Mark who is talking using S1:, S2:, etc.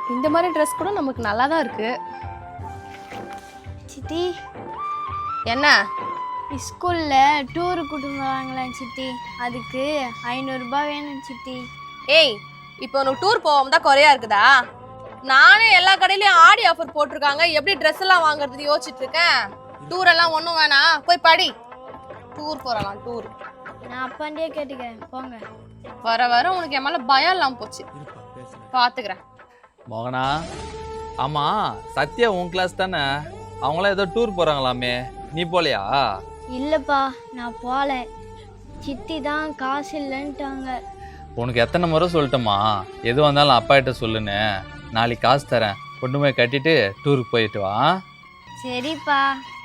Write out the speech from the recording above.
S1: இந்த மாதிரி ட்ரெஸ் கூட நமக்கு நல்லா தான் இருக்கு.
S2: சித்தி
S1: என்ன
S2: ஸ்கூலில் டூரு கூட்டிட்டு வராங்களேன் சித்தி, அதுக்கு 500 ரூபாய் வேணும் சித்தி.
S1: ஏய், இப்போ உனக்கு டூர் போகாம தான் குறையா இருக்குதா? நானே எல்லா கடையிலயும் ஆடி ஆஃபர் போட்டிருக்காங்க, எப்படி ட்ரெஸ் எல்லாம் வாங்குறது யோசிச்சுட்டு இருக்கேன். டூர் எல்லாம் ஒன்றும் வேணாம், போய் படி. டூர் போறலாம் டூர்.
S2: நான் அப்பாண்டியே கேட்டுக்கிறேன், போங்க.
S1: வர வர உனக்கு என் மேல பயம் இல்லாம போச்சு. பாத்துக்கிறேன்.
S3: மோகனா, ஆமா சத்யா உன் கிளாஸ் தானே? அவங்களாம் ஏதோ டூர் போறாங்களாமே, நீ போலையா?
S2: இல்லைப்பா, நான் போகல. சித்தி தான் காசு இல்லைன்ட்டாங்க.
S3: உனக்கு எத்தனை முறை சொல்லட்டுமா, எது வந்தாலும் அப்பா கிட்ட சொல்லுன்னு. நாளைக்கு காசு தரேன், கொண்டு போய் கட்டிட்டு டூருக்கு போயிட்டு வா.
S2: சரிப்பா.